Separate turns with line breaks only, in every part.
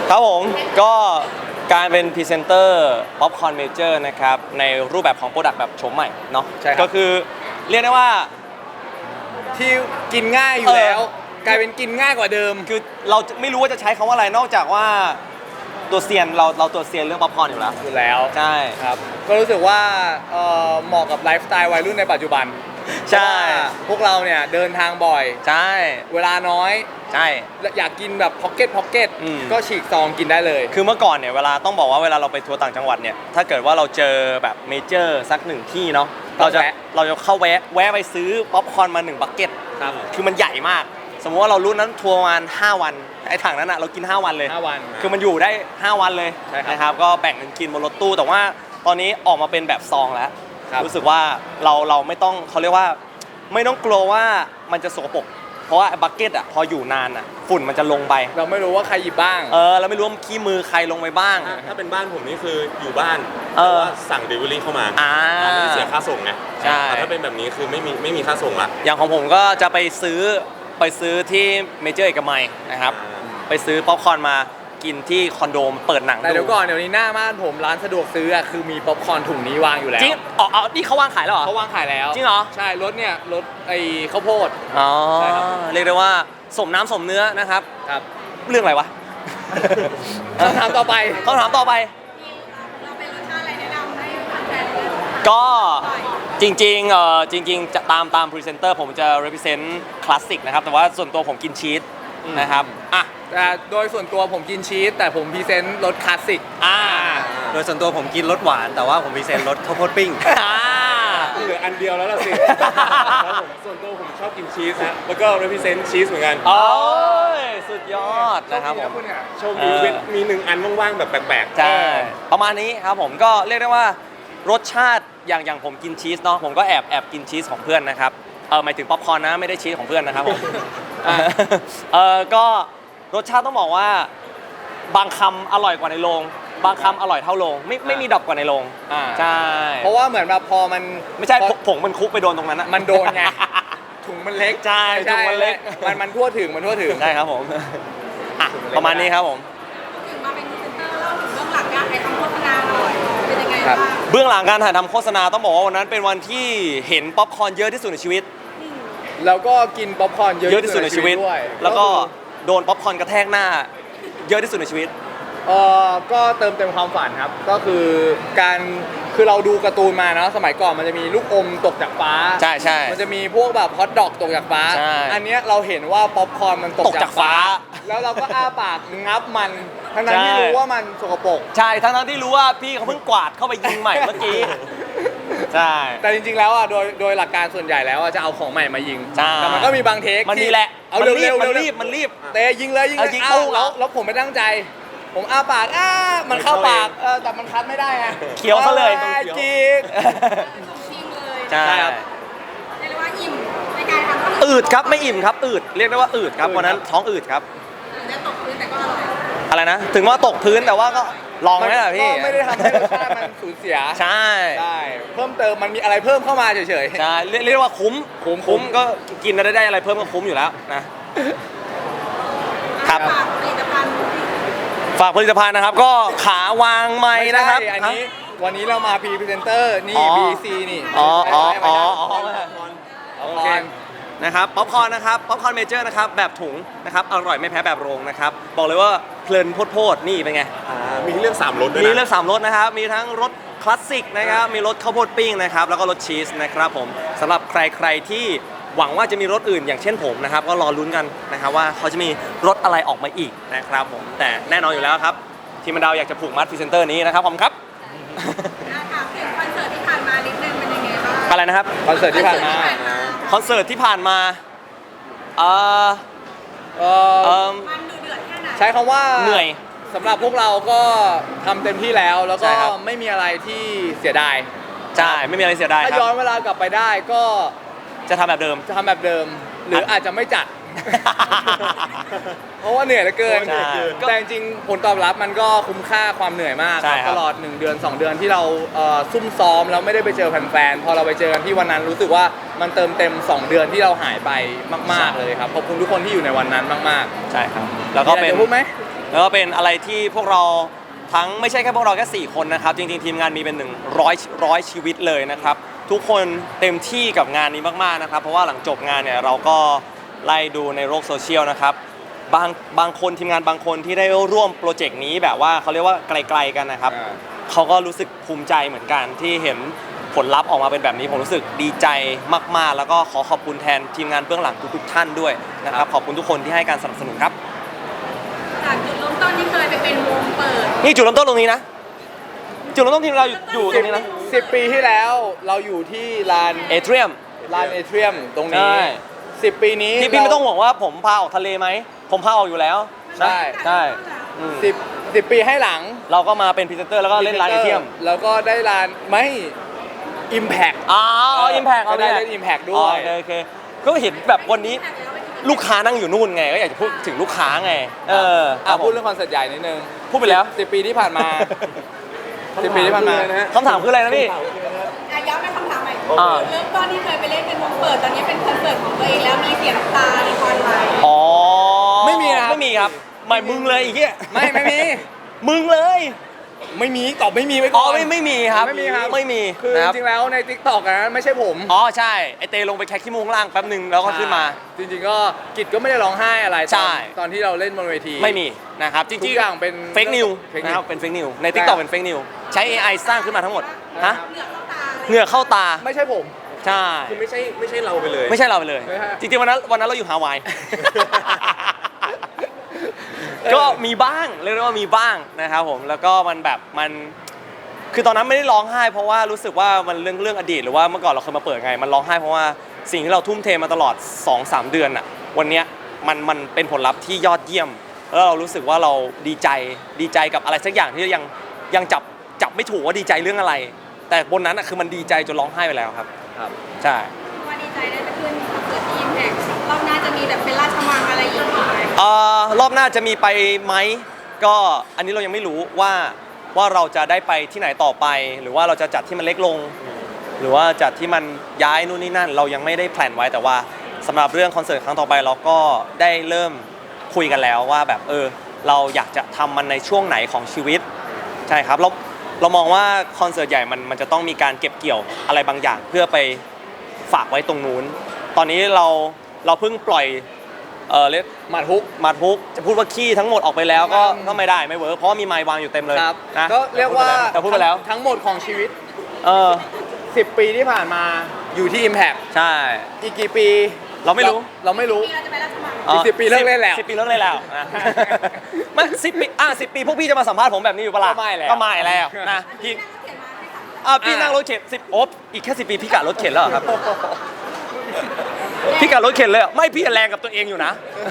ครับผมก็การเป็นพรีเซนเตอร์ป๊อปคอร์นเมเจอร์นะครับในรูปแบบของโปรดักต์แบบโฉมใหม่เนาะ
ใช่ครับ
ก็คือเรียกได้ว่า
ที่กินง่ายอยู่แล้วกลายเป็นกินง่ายกว่าเดิม
คือเราไม่รู้ว่าจะใช้คำว่าอะไรนอกจากว่าตัวเซียนเราตัวเซียนเรื่องป๊อปคอร์นอยู่แล้วใช่
ครับก็รู้สึกว่าเหมาะกับไลฟ์สไตล์วัยรุ่นในปัจจุบัน
ใช่
พวกเราเนี่ยเดินทางบ่อย
ใช่
เวลาน้อย
ใช่
อยากกินแบบพ็อกเก็ตก็ฉีกซองกินได้เลย
คือเมื่อก่อนเนี่ยเวลาต้องบอกว่าเวลาเราไปทัวร์ต่างจังหวัดเนี่ยถ้าเกิดว่าเราเจอแบบเมเจอร์สักหนึ่งที่เนาะเราจะเข้าแวะไปซื้อป๊อปคอร์นมา1บักเก็ต
ครับ
คือมันใหญ่มากสมมติว่าเรารุ่นนั้นทัวร์ประมาณ5วันไอ้ถังนั้นอะเรากิน5วันเลย
5วัน
คือมันอยู่ได้5วันเลยนะครับก็แบ่งกันกินบนรถตู้แต่ว่าตอนนี้ออกมาเป็นแบบซองแล้วรู้สึกว่าเราไม่ต้องเขาเรียกว่าไม่ต้องกลัวว่ามันจะสกปรกเพราะว่าบักเก็ตอ่ะพออยู่นานอ่ะฝุ่นมันจะลงไป
เราไม่รู้ว่าใครหยิบบ้าง
เราไม่รู้ว่าขี้มือใครลงไปบ้าง
ถ้าเป็นบ้านผมนี่คืออยู่บ้านแต่ว่าสั่งเดลิเวอรี่เข้ามาไม่ได้เสียค่าส่งไง
ใช่
แต่ถ้าเป็นแบบนี้คือไม่มีค่าส่งละ
อย่างของผมก็จะไปซื้อที่เมเจอร์เอกมัยนะครับไปซื้อป๊อปคอร์นมากินที่คอนโดมเปิดหนัง
แต่เดี๋ยวก่อนเดี๋ยวนี้หน้าบ้านผมร้านสะดวกซื้อคือมีป๊อปคอร์นถุงนี้วางอยู่แล้ว
จริงนี่เขาวางขายแล้วเหรอ
เขาวางขายแล้ว
จริงเหรอ
ใช่รถเนี่ยรถไอ้ข้าวโพด
ใช่ครับเรียกได้ว่าสมน้ำสมเนื้อนะครับเรื่องอะไรวะ
คำถามต่อไป
เราเป็นรสชาติอะไรแนะนำให้แฟนๆก็จริงจะตามพรีเซนเตอร์ผมจะ represent คลาสสิกนะครับแต่ว่าส่วนตัวผมกินชีสนะครับ
แต่โดยส่วนตัวผมกินชีสแต่ผมพรีเซนต์รสคลาสสิก
โดยส่วนตัวผมกินรสหวานแต่ว่าผมพรีเซนต์รสข้าวโพดปิ้ง
เหลืออันเดียวแล้วล่ะสิแล้วผมส่วนตัวผมชอบกินชีสนะแล้วก็ represent ชีสเหมือนกัน
โอ้ยสุดยอดนะครับผม
โชคดีมี1อันว่างๆแบบแปลก
ๆใช่ประมาณนี้ครับผมก็เรียกได้ว่ารสชาติอย่างผมกินชีสเนาะผมก็แอบกินชีสของเพื่อนนะครับหมายถึงป๊อปคอร์นนะไม่ได้ชีสของเพื่อนนะครับผมก็รสชาติต้องบอกว่าบางคำอร่อยกว่าในโรงบางคำอร่อยเท่าโรงไม่มีดรอปกว่าในโรงใช่
เพราะว่าเหมือนแบบพอมัน
ไม่ใช่ผงมันคุกไปโดนตรงนั้น
มันโดนไงถุงมันเล็ก
ใช่ถุงมันเล็ก
มันทั่วถึง
ใช่ครับผมประมาณนี้ครับผม
ถึงมาเป็นพรีเซนเตอร์เล่าถึงเบื้องหลังการถ่ายทำโฆษณาหน่อยเป็นยังไงบ้าง
เบื้องหลังการถ่ายทำโฆษณาต้องบอกว่าวันนั้นเป็นวันที่เห็นป๊อปคอร์นเยอะที่สุดในชีวิต
แล้วก็กินป๊อปคอร์นเยอะที่สุดในชีวิต
ด้วยแล้วก็โดนป๊อปคอร์นกระแทกหน้าเยอะที่สุดในชีวิต
ก็เติมเต็มความฝันครับก็คือเราดูการ์ตูนมาเนาะสมัยก่อนมันจะมีลูกอมตกจากฟ้า
ใช่
มันจะมีพวกแบบฮอทดอกตกจากฟ้าอันนี้เราเห็นว่าป๊อปคอร์นมันตกจากฟ้าแล้วเราก็อ้าปากงับมันทั้งที่รู้ว่ามันสกปรก
ใช่ทั้งที่รู้ว่าพี่เขาเพิ่งกวาดเข้าไปยิงใหม่เมื่อกี้ใช่
แต่จริงๆแล้วโดยหลักการส่วนใหญ่แล้วจะเอาของใหม่มายิงแต่มันก็มีบางเทค
มันมีแหละ
เอาเร็ว
มันรีบ
เตะยิงเลยแล้วผมไม่ตั้งใจผมอ้าปากมันเข้าปากแต่มันคัดไม่ได้ไง
เคี้ยวซะเลย
จีก
ชิงเลย
ใช่ครับ
เรียกว่าอิ่มในการทำ
อืดครับไม่อิ่มครับอืดเรียกได้ว่าอืดครับวันนั้นท้องอืดครับ
และตกพื้นแต่ก็อร่อย
อะไรนะถึงว่าตกพื้นแต่ว่าก็ลองไหมล่ะพี่
ก็ไม่ได้ทำให้รสชาติมันสูญเสีย
ใช่
เพิ่มเติมมันมีอะไรเพิ่มเข้ามาเฉย
ๆใช่เรียกว่าคุ้มก็กินแล้วได้อะไรเพิ่มก็คุ้มอยู่แล้วนะครับฝากผลิตภัณฑ์นะครับก็ขาวางไม้นะครับ
อันนี้วันนี้เรามาพรีเซนเตอร์นี่ BC นี่
โอเคนะครับป๊อปคอร์นนะครับป๊อปคอร์นเมเจอร์นะครับแบบถุงนะครับอร่อยไม่แพ้แบบโรงนะครับบอกเลยว่าเพลินโพดนี่เป็นไง
มีเรื่อง3รสด้วย
มีเรื่อง3รสนะครับมีทั้งรสคลาสสิกนะครับมีรสข้าวโพดปิ้งนะครับแล้วก็รสชีสนะครับผมสำหรับใครที่หวังว่าจะมีรถอื่นอย่างเช่นผมนะครับก็รอลุ้นกันนะครับว่าเขาจะมีรถอะไรออกมาอีกนะครับผมแต่แน่นอนอยู่แล้วครับทีมมันดาวอยากจะผูกมัดพรีเซนเตอร์นี้นะครับผมครับ
ถามถึงคอนเสิร์ตที่ผ่านมานิดนึงเป็นยังไงบ้าง
อะไรนะครับ
คอนเสิร์ตที่ผ่านมา
มันดูเดือดแค่ไหน
ใช้คำว่า
เหนื่อย
สำหรับพวกเราก็ทำเต็มที่แล้วก็ไม่มีอะไรที่เสียดาย
ใช่ไม่มีอะไรเสียดาย
ถ้าย้อนเวลากลับไปได้ก็
จะทำแบบเดิม
หรืออาจจะไม่จัดเพราะว่าเหนื่อยเหลือเกินแต่จริงผลตอบรับมันก็คุ้มค่าความเหนื่อยมากตลอด1 เดือน 2 เดือนที่เราซุ่มซ้อมแล้วไม่ได้ไปเจอแฟนๆพอเราไปเจอกันที่วันนั้นรู้สึกว่ามันเติมเต็ม2 เดือนที่เราหายไปมากๆเลยครับขอบคุณทุกคนที่อยู่ในวันนั้นมาก
ๆใช่ครับแล้วก็เป็น
พูดไหม
แล้วก็เป็นอะไรที่พวกเราทั้งไม่ใช่แค่พวกเราแค่4คนนะครับจริงๆทีมงานมีเป็น100ชีวิตเลยนะครับทุกคนเต็มที่กับงานนี้มากๆนะครับเพราะว่าหลังจบงานเนี่ยเราก็ไล่ดูในโลกโซเชียลนะครับบางคนทีมงานบางคนที่ได้ร่วมโปรเจกต์นี้แบบว่าเขาเรียกว่าไกลๆกันนะครับเขาก็รู้สึกภูมิใจเหมือนกันที่เห็นผลลัพธ์ออกมาเป็นแบบนี้ผมรู้สึกดีใจมากๆแล้วก็ขอขอบคุณแทนทีมงานเบื้องหลังทุกๆท่านด้วยนะครับขอบคุณทุกคนที่ให้การสนับสนุนครับ
จากจุดเริ่มต้นที่เคยไปเป็นวงเปิด
นี่จุดเริ่มต้นตรงนี้นะจุดเริ่มต้นทีมเราอยู่ตรงนี้นะ
10 ปีที่แล้วเราอยู่ที่ลาน
เอเทรียม
เอเทรียมตรง
ใช่
นี้ 10 ปีนี้
พี่ไม่ต้องห่วงว่าผมพาออกทะเลไหมผมพาออกอยู่แล้ว
ใช่
ใช่อืม
10 ปีให้หลัง
เราก็มาเป็นพรีเซนเตอร์แล้วก็เล่นร้านเอเทรียม
แล้วก็ได้ลานไม่ Impact
อ๋ออิมแพกเอา
ได้เล่น Impact ด้วย
โอเคก็เห็นแบบวันนี้ลูกค้านั่งอยู่นู่นไงก็อยากจะพูดถึงลูกค้าไงครับ
พูดเรื่องคอนเสิร์ตใหญ่นิดนึง
พูดไปแล้ว
10 ปีที่ผ่านมา 10 ปีที่ผ่านมา
คำถามคืออะไรนะพี่
ย้ำเป็นคำถามใหม่
อ่า
เริ่มต้นที่เคยไปเล่นเป็นวงเปิดตอนนี้เป็นคอนเสิร์ตของตัวเองแล้วมีเสียงน้ำตาในคอนไหม
อ๋อ
ไม่มีนะครับ
ไม่มีครับไม่มึงเลยไอ้เหี้ย
ไม่มี
มึงเลย
ไม่มีตอบไม่มีไว้
อ๋
ก่
อ
อน
ไม่มีครับ
ไม่มีครับ
ไม่มี
คือ
นะครับ
จริงๆแล้วใน TikTok นะไม่ใช่ผม
อ๋อใช่ไอเตลงไปแค่ขี้มูกข้างล่างแป๊บหนึ่งแล้วก็ขึ้นมา
จริงๆก็กิจก็ไม่ได้ร้องไห้อะไร
ใช่
ตอนที่เราเล่นบนเวที
ไม่มีนะครับจ
ทุ
ริ
ก
ง
อย่างเป็น
เฟกนิว
fake news
นะครับเป็นเฟกนิวใน TikTok เป็นเฟกนิวใช้ AI สร้างขึ้นมาทั้งหมดฮะ
เหงื่อเข้าตาเลย
เหงื่อเข้าตา
ไม่ใช่ผม
ใช่
คือไม่ใช่เราไปเลย
ไม่ใช่เราไปเลย
ไม่ใช่
จริงๆวันนั้นเราอยู่ฮาวาย ก็มีบ้างเรียกได้ว่ามีบ้างนะครับผมแล้วก็มันแบบมันคือตอนนั้นไม่ได้ร้องไห้เพราะว่ารู้สึกว่ามันเรื่องอดีตหรือว่าเมื่อก่อนเราเคยมาเปิดไงมันร้องไห้เพราะว่าสิ่งที่เราทุ่มเทมาตลอด 2-3 เดือนอ่ะวันเนี้ยมันเป็นผลลัพธ์ที่ยอดเยี่ยม แล้วเรารู้สึกว่าเราดีใจกับอะไรสักอย่างที่ยังจับไม่ถูกว่าดีใจเรื่องอะไร แต่บนนั้นอ่ะคือมันดีใจจนร้องไห้ไปแล้วครับ
ครับ
ใช่
ว่าดีใจได้ไปขึ้นคอนเสิร์ตทีมแท็กรอบหน้าจะมีแบบเป็นราชมังอะไรอีกไหม
รอบหน้าจะมีไปไหมก็อันนี้เรายังไม่รู้ว่าเราจะได้ไปที่ไหนต่อไป หรือว่าเราจะจัดที่มันเล็กลง หรือว่าจัดที่มันย้ายนู่นนี่นั่น เรายังไม่ได้แพลนไว้แต่ว่าสำหรับเรื่องคอนเสิร์ตครั้งต่อไปเราก็ได้เริ่มคุยกันแล้วว่าแบบเราอยากจะทำมันในช่วงไหนของชีวิตใช่ครับเรามองว่าคอนเสิร์ตใหญ่มันจะต้องมีการเก็บเกี่ยวอะไรบางอย่าง เพื่อไปฝากไว้ตรงนู้นตอนนี้เราเพิ่งปล่อยเรียก
หมัดฮุก
มาทุกจะพูดว่าขี้ทั้งหมดออกไปแล้วก็ไม่ได้ไม่เวิร์กเพราะว่ามีไมค์วางอยู่เต็มเลย
ครับ
นะ
ก็เรียกว่า
แต่พูดไปแล้ว
ทั้งหมดของชีวิต
เออ
10 ปีที่ผ่านมาอยู่ที่ Impact
ใช่
อีกกี่ปี
เราไม่รู้
เราไม่รู้
ปีเราจะไปราชมัง
อีก10 ปีเลิกเล่นแล้ว
10 ปีเลิกเล่นแล้วนะ ไม่10 ปี10 ปีพวกพี่จะมาสัมภาษณ์ผมแบบนี้อยู่ปะล่ะ
ก็ไม่แล้ว
ก็ไม่แล้วนะพี่ พี่นั่งรถเข็น10อีกแค่10 ปีพี่กะรถเข็นแล้วเหรอครับ พี่กะรถเข็นเลยเหรอไม่พี่แรงกับตัวเองอยู่นะ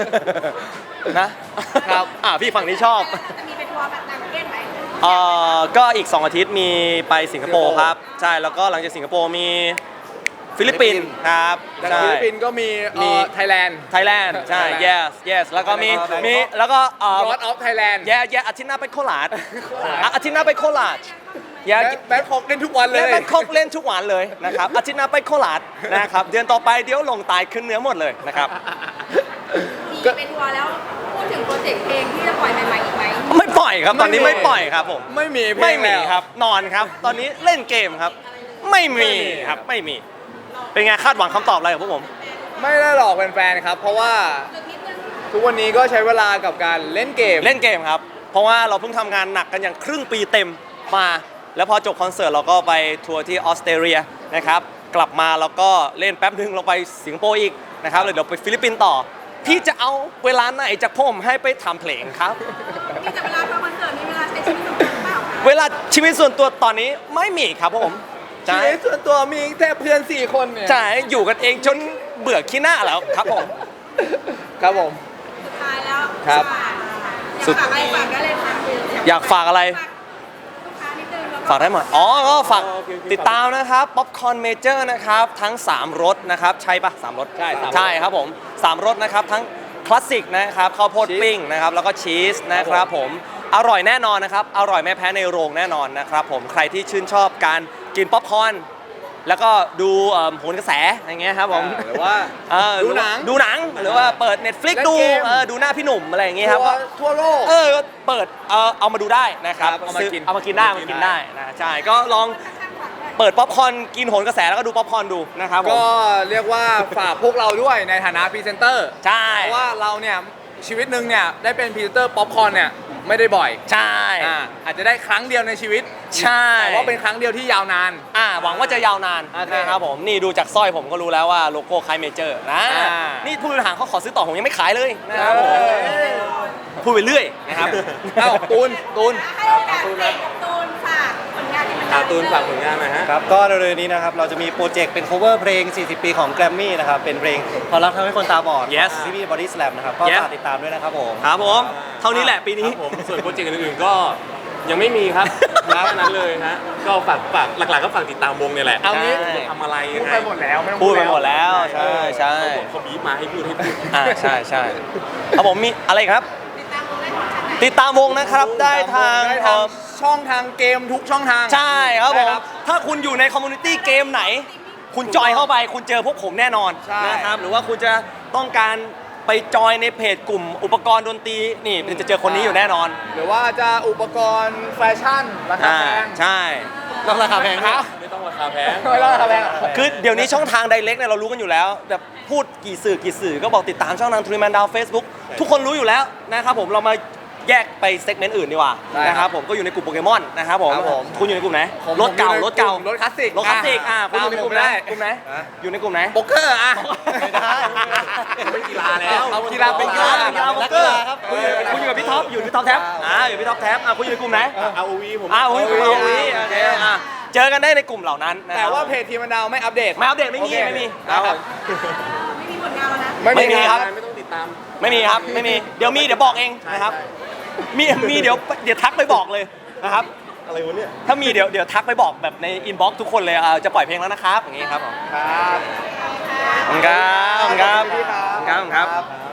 นะครับ พี่ฝั่งนี้ชอบ
จะมีไปทัวร์แบบต่างประเทศไหม
ก็อีก 2 อาทิตย์มีไปสิงคโปร์ครับ ใช่แล้วก็หลังจากสิงคโปร์มีฟิลิปปินส์ครับ
จาก
ใช่
ฟิลิปปินส์ก็มี ไทยแลนด์
ไทยแลนด์ใช่
Thailand
yes แล้วก็มีแล้วก็
God of Thailand
อาทิตย์หน้าไปโคราชอาทิตย์หน้าไปโคราช
แบทคอกเล่นทุกวันเลย
และแบงคอกเล่นทุกวันเลยนะครับอาทิตย์หน้าไปโคราชนะครับเดือนต่อไปเดี๋ยวลงตายขึ้นเนื้อหมดเลยนะครับ
มีไปทัวร์แล้วพูดถึงโปรเจกต์เพลงที่จะปล่อยใหม่ๆอีกไหม
ไม่ปล่อยครับตอนนี้ไม่ปล่อยครับผม
ไม่มีเพลง
ไม่มี
แล้ว
ครับนอนครับ ตอนนี้เล่นเกมครับ ไม่มีครับไม่มี เป็นไงคาดหวังคำตอบอะไรกับพวกผม
ไม่ได้หลอกแฟนๆครับ เพราะว่า
จุดนิดนึง
ทุกวันนี้ก็ใช้เวลากับการเล่นเกม
เล่นเกมครับ เพราะว่าเราเพิ่งทำงานหนักกันอย่างครึ่งปีเต็มมา แล้วพอจบคอนเสิร์ตเราก็ไปทัวร์ที่ออสเตรเลียนะครับ กลับมาแล้วก็เล่นแป๊บนึงเราไปสิงคโปร์อีกนะครับเลยเดี๋ยวไปฟิลิปปินส์ต่อ พี่จะเอาเวลาไหนจากผมให้ไปทำเพลงครับ
มีแต่เวลาทำคอนเสิร์ตมีเวลาใช้ชีวิตส่วนตัวหรือเปล่าคะ
เวลาชีวิตส่วนตัวตอนนี้ไม่มีครับผม
ชี
ใช่
วิตส่วนตัวมีแค่เพื่อน 4 คนเนี่ย
ใช่อยู่กันเองจนเบื่อขี้หน้าแล้วครับผม
ครับผม
สุดท้ายแล้ว
ครับ
อยากฝากอะไรฝากได้เลยค่ะ
อยากฝากอะไร
ลูกค้านิดนึงแล้ว
ฝากได้หมดอ๋อก็ฝากติดตามนะครับป๊อปคอร์นเมเจอร์นะครับ ทั้ง 3 รสนะครับ ใช่ปะ3 รส
ใช่3
ใช่ครับผม 3 รสนะครับ ทั้งคลาสสิกนะครับข้าวโพดปิ้งนะครับ แล้วก็ชีสนะครับผม อร่อยแน่นอนนะครับ อร่อยไม่แพ้ในโรงแน่นอนนะครับผม ใครที่ชื่นชอบการกินป๊อปคอร์นแล้วก็ดูโหนกระแสอย่างเงี้ยครับผม
หรือว่า
ดูหนังหรือว่าเปิด Netflix
เล่น
ดู
เกม
ดูหน้าพี่หนุ่มอะไรอย่างเงี้ยครับ
ทั่วโลก
ก็เปิดเอามาดูได้นะครับ
ครับเอามากิน
เอามากินได้นะใช่ก็ลองเปิดป๊อปคอร์นกินโหนกระแสแล้วก็ดูป๊อปคอร์นดูนะครับผม
ก็เรียกว่าฝากพวกเราด้วยในฐานะพรีเซนเตอร์
ใช่
เพราะว่าเราเนี่ยชีวิตหนึ่งเนี่ยได้เป็นพรีเซนเตอร์ป๊อปคอร์นเนี่ยไม่ได้บ่อย
ใช่
อาจจะได้ครั้งเดียวในชีวิต
ใช่
แต่ว่าเป็นครั้งเดียวที่ยาวนาน
หวังว่าจะยาวนาน
โอเค
นะครับผมนี่ดูจากสร้อยผมก็รู้แล้วว่าโลโก้คล้ายเมเจอร์นะ
อ่า
นี่ผู้บริหารเขาขอซื้อต่อผมยังไม่ขายเลยนะครับผม
เอ้ย
พูดไปเรื่อยนะครับ
เอ้าตูน
ให้โอกาสเด็กกับตูนฝากผลงานที่มัน
ตูนฝากผลงานหน่อยฮะ
ครับก็เร็วๆนี้นะครับเราจะมีโปรเจกต์เป็น cover เพลง 40 ปีของแกรมมี่นะครับเป็นเพลงความรักทำให้คนตาบอด
Yes
ที่พี่บอดี้สแลมนะครับก็
Yes
ฝากติดตามด้วยนะครับผม
ครับผมเท่านี้แหละปีนี้
ครับผมส่วนโปรเจกต์อื่นๆก็ยังไม่มีครับแค่นั้นเลยฮะก็ฝากหลักๆก็ฝากติดตามวงเนี่ยแหละ
เอางี้
จะทำอะไร
พู
ยั
ด
งไง
ไปหมดแล้วไม่ต้อง
พูดไปหมดแล้วใช่ใช่
เขาบีบมาให้พูด
ใช่ครับผมมีอะไรอีกครับ
ติดตามวงได้ของทางไหน
ติดตามวงนะครับได้ทาง
ได้ทางช่องทางเกมทุกช่องทาง
ใช่ครับผม
ได้
ถ้าคุณอยู่ในคอมมูนิตี้เกมไหน คุณจอยเข้าไปคุณเจอพวกผมแน่นอน
ใช่
นะครับหรือว่าคุณจะต้องการไปจอยในเพจกลุ่มอุปกรณ์ดนตรีนี่จะเจอคนนี้อยู่แน่นอน
หรือว่าจะอุปกรณ์แฟชั่นราคาแพง
ใช่
ต้องราคาแพงครับ
ไม่ต้องราคาแพง
ไม่ต้องราคาแพงอะ
คือเดี๋ยวนี้ช่องทางไดเรกเนี่ยเรารู้กันอยู่แล้วแบบพูดกี่สื่อก็บอกติดตามช่องทางทรีแมนดาวเฟซบุ๊กทุกคนรู้อยู่แล้วนะครับผมเรามาแยกไปเซกเมนต์อื่นดีกว่า
ได้ครับ
นะครับผมก็อยู่ในกลุ่มโปเกมอนนะครับผม
ครับผม
คุณอยู่ในกลุ่มไหน
ผม
รถเก่า
อยู่ใน
รถเก่า
รถคลาสสิก
รถคลาสสิกคุณอยู่ในกลุ่มไหน
ได้
กลุ่มไหนอยู่ในกลุ่มไหน
โป๊กเกอร์อะ
ไม่ได้
ไม่กีฬาแล้ว
เอากีฬาเป็นกีฬา
กีฬาโป๊กเกอร์ครับคุณอยู่กับพี่ท็อปอยู่ที่ท็อปแท็บอยู่พี่ท็อปแท็บคุณอยู่ในกลุ่มไหน
ROV ผม
คุณอยู่ในกลุ่ม ROV โอเคเจอกันได้ในกลุ่มเหล่านั้นนะค
แต่
รับ
ว่าเพจทีมันดาวไม่อัปเดต
ไม่อัปเดตไม่มี
โอเค
ไม่มี
ครับ
ไม่มีผลงานแล้วนะ
ไม่มีครับ
ไม่ต้องติดตาม
ไม่มีครับไม่มีเดี๋ยวมีเดี๋ยวบอกเองนะครับมีเดี๋ยวทักไปบอกเลยนะครับ
อะไรวะเนี่ย
ถ้ามีเดี๋ยวทักไปบอกแบบในอินบ็อกซ์ทุกคนเลยจะปล่อยเพลงแล้วนะครับอย่างงี้ครับผม
ครับ
ขอบคุณครับขอบคุณครับ
ขอบคุณพี่ครับ
ขอบคุณครับ